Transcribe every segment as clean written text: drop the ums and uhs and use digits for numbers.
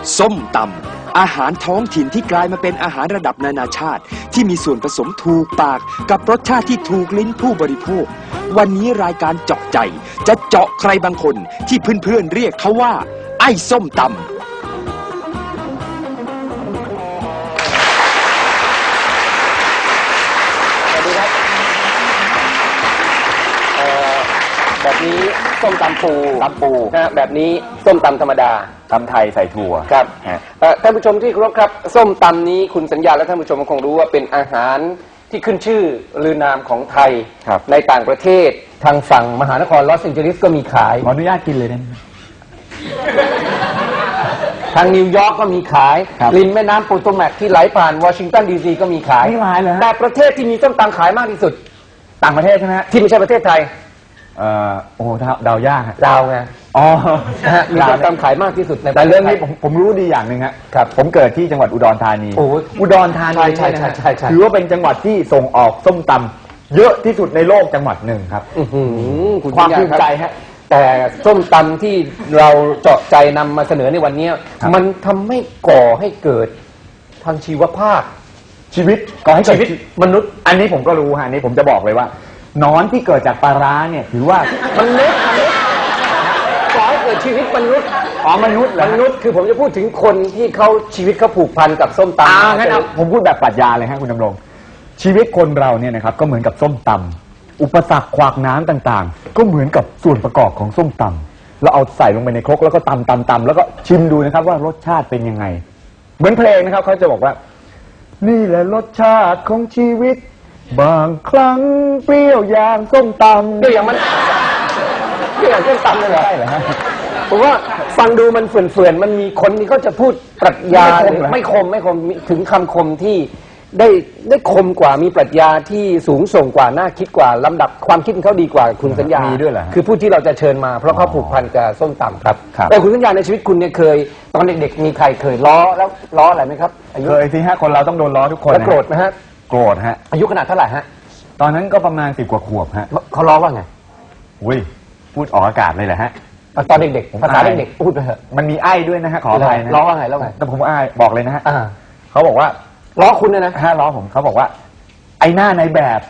ส้มตำอาหารท้องถิ่นที่กลายมาเป็นอาหารระดับนานาชาติที่มีส่วนผสมถูกปากกับรสชาติที่ถูกลิ้นผู้บริโภควันนี้รายการเจาะใจจะเจาะใครบางคนที่เพื่อนๆเรียกเขาว่าไอ้ส้มตำแบบนี้ส้มตำปูนะแบบนี้ส้มตำธรรมดาตำไทยใส่ถั่วครับท่านผู้ชมที่เคารพครับส้มตำนี้คุณสัญญาและท่านผู้ชมคงรู้ว่าเป็นอาหารที่ขึ้นชื่อลือนามของไทยในต่างประเทศทางฝั่งมหานครลอสแองเจลิสก็มีขายขออนุญาตกินเลยนะทางนิวยอร์กก็มีขายริมแม่น้ำโปโตแมกที่ไหลผ่านวอชิงตันดีซีก็มีขายแต่ประเทศที่มีส้มตำขายมากที่สุดต่างประเทศใช่ไหมฮะที่ไม่ใช่ประเทศไทยโอ้เดายากดาวไงมีส้มตำขายมากที่สุดในแต่เรื่องนี้ผมรู้ดีอย่างหนึ่งครับผมเกิดที่จังหวัดอุดรธานีอุดรธานีใช่ถือว่าเป็นจังหวัดที่ส่งออกส้มตำเยอะที่สุดในโลกจังหวัดหนึ่งครับความภูมิใจฮะแต่ส้มตำที่เราเจาะใจนำมาเสนอในวันนี้มันทำให้ก่อให้เกิดทางชีวภาพชีวิตก่อให้เกิดชีวิตมนุษย์อันนี้ผมก็รู้ฮะอันนี้ผมจะบอกเลยว่าหนอนที่เกิดจากปลาร้าเนี่ยถือว่ามนุษย์ก่อให้เกิดชีวิตมนุษย์มนุษย์คือผมจะพูดถึงคนที่เขาชีวิตเขาผูกพันกับส้มตำงั้นผมพูดแบบปรัชญาเลยฮะคุณดำรงชีวิตคนเราเนี่ยนะครับก็เหมือนกับส้มตำอุปสรรคขวากน้ำต่างๆก็เหมือนกับส่วนประกอบของส้มตำเราเอาใส่ลงไปในครกแล้วก็ตำแล้วก็ชิมดูนะครับว่ารสชาติเป็นยังไงเหมือนเพลงนะครับเขาจะบอกว่านี่แหละรสชาติของชีวิตบางครั้งเปรี้ยวอย่างส้มตำเปรี้ยวอย่างส้มตำเลยเหรอใช่เหรอฮะผมว่าฟังดูมันเฟื่อนมันมีคนที่เขาจะพูดปรัชญาไม่คมถึงคำคมที่ได้คมกว่ามีปรัชญาที่สูงส่งกว่าน่าคิดกว่าลำดับความคิดเขาดีกว่าคุณสัญญามีด้วยเหรอคือผู้ที่เราจะเชิญมาเพราะเขาผูกพันกับส้มตำครับแต่คุณสัญญาในชีวิตคุณเนี่ยเคยตอนเด็กๆมีใครเคยล้ออะไรไหมครับเคยสิฮะคนเราต้องโดนล้อทุกคนแล้วโกรธไหมฮะโกรธฮะอายุขนาดเท่าไหร่ฮะตอนนั้นก็ประมาณ10 กว่าขวบฮะเขาล้อว่าไงอุ้ยพูดออกอากาศเลยแหละฮะตอนเด็กๆภาษาเด็กๆพูดไปเถอะมันมีไอ้ด้วยนะฮะขออภัยนะล้อว่าไงแต่ผมไอ้บอกเลยนะฮะเขาบอกว่าล้อคุณนะล้อผมเขาบอกว่าไอ้หน้าในแบบ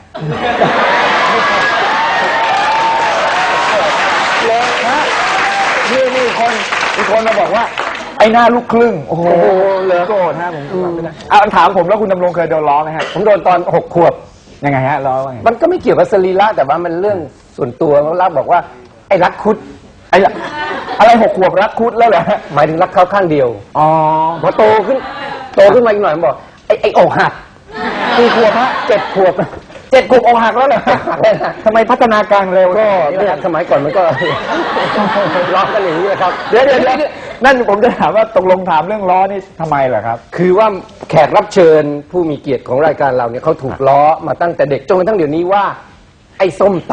นี่คนมาบอกว่าไอ้หน้าลูกครึ่งโอ้โหเลยโกรธฮะผมถามผมแล้วคุณดำรงเคยโดนล้อไหมฮะผมโดนตอน6 ขวบยังไงฮะล้อว่าไงมันก็ไม่เกี่ยวกับสรีระแต่ว่ามันเรื่องส่วนตัวเขาเล่าบอกว่าไอ้รักคุดอะไร6 ขวบรักคุดแล้วเหรอหมายถึงรักเขาข้างเดียวพอโตขึ้นมาอีกหน่อยมันบอกไอ้อกหักกี่ขวบฮะ 7 ขวบอกหักแล้วเหรอทำไมพัฒนาการเร็วก็สมัยก่อนมันก็ล้อกันอย่างนี้นะครับเดี๋ยวนั่นผมจะถามว่าตกลงถามเรื่องล้อนี่ทำไมเหรอครับคือว่าแขกรับเชิญผู้มีเกียรติของรายการเราเนี่ยเขาถูกล้อมาตั้งแต่เด็กจนกระทั่งเดี๋ยวนี้ว่าไอ้ส้มต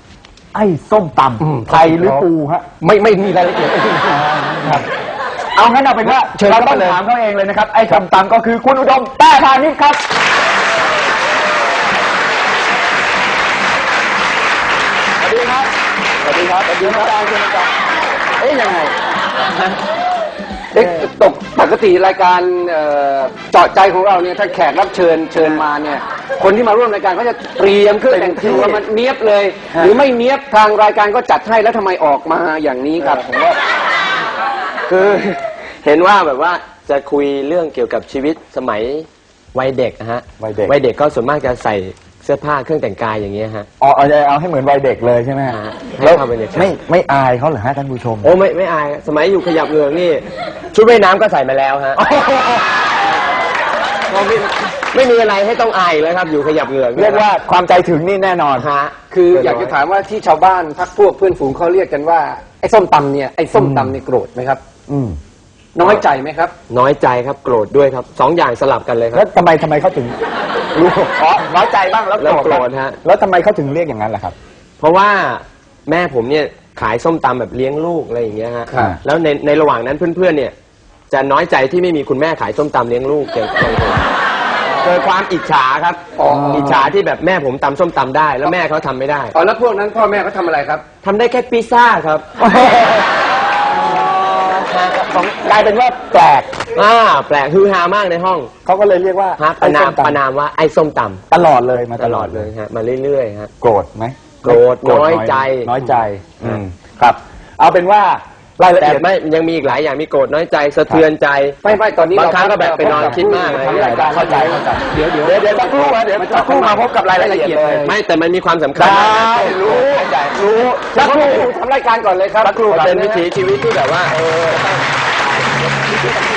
ำไทยหรือปูฮะไม่มีรายละเอียดครับเอางั้นเอาเป็นว่าเราต้องถามเขาเองเลยนะครับไอ้ส้มตำก็คือคุณอุดมแต้พานิชครับสวัสดีครับยังไงปกติรายการเจาะใจของเราเนี่ยถ้าแขกรับเชิญมาเนี่ยคนที่มาร่วมรายการเขาจะเตรียมเครื่องแต่งตัวมันเนียบเลยหรือไม่เนียบทางรายการก็จัดให้แล้วทำไมออกมาอย่างนี้ครับผมว่าคือเห็นว่าแบบว่าจะคุยเรื่องเกี่ยวกับชีวิตสมัยวัยเด็กนะฮะวัยเด็กก็ส่วนมากจะใส่เสื้อผ้าเครื่องแต่งกายอย่างเงี้ยฮะเอาให้เหมือนวัยเด็กเลยใช่ไหมฮะแล้วไม่อายเขาเหรอฮะท่านผู้ชมโอ้ไม่อายสมัยอยู่ขยับเหงือกนี่ชุดว่ายน้ำก็ใส่มาแล้วฮะไม่มีอะไรให้ต้องอายเลยครับอยู่ขยับเหงือกเรียกว่าความใจถึงนี่แน่นอนฮะคืออยากจะถามว่าที่ชาวบ้านพรรคพวกเพื่อนฝูงเขาเรียกกันว่าไอ้ส้มตำเนี่ยโกรธไหมครับน้อยใจไหมครับน้อยใจครับโกรธด้วยครับ2 อย่างสลับกันเลยครับแล้วทำไมเขาถึงรู้น้อยใจบ้างแล้วโกรธฮะแล้วทำไมเขาถึงเรียกอย่างนั้นล่ะครับเพราะว่าแม่ผมเนี่ยขายส้มตำแบบเลี้ยงลูกอะไรอย่างเงี้ยฮะแล้วในระหว่างนั้นเพื่อนๆเนี่ยจะน้อยใจที่ไม่มีคุณแม่ขายส้มตำเลี้ยงลูกเกิดความอิจฉาครับอิจฉาที่แบบแม่ผมตำส้มตำได้แล้วแม่เขาทำไม่ได้แล้วพวกนั้นพ่อแม่เขาทำอะไรครับทำได้แค่พิซซ่าครับกลายเป็นว่าแปลกแปลกฮือฮามากในห้องเขาก็เลยเรียกว่าฮะประนามว่าไอ้ส้มตำตลอดเลยมาตลอดเลยฮะมาเรื่อยๆฮะโกรธไหมโกรธน้อยใจน้อยใจครับ เอาเป็นว่ารายละแต่เอียดไม่ยังมีอีกหลายอย่างมีโกรธน้อยใจสะเทือนใจไม่ตอนนี้บางครั้งก็แบบไปนอนคิดมากเลยเข้าใจเดี๋ยวสักครู่เดี๋ยวสักครู่มาพบกับรายละเอียดเลยไม่แต่มันมีความสำคัญได้รู้สักครู่ทำรายการก่อนเลยครับสักครู่เป็นวิถีชีวิตที่แบบว่า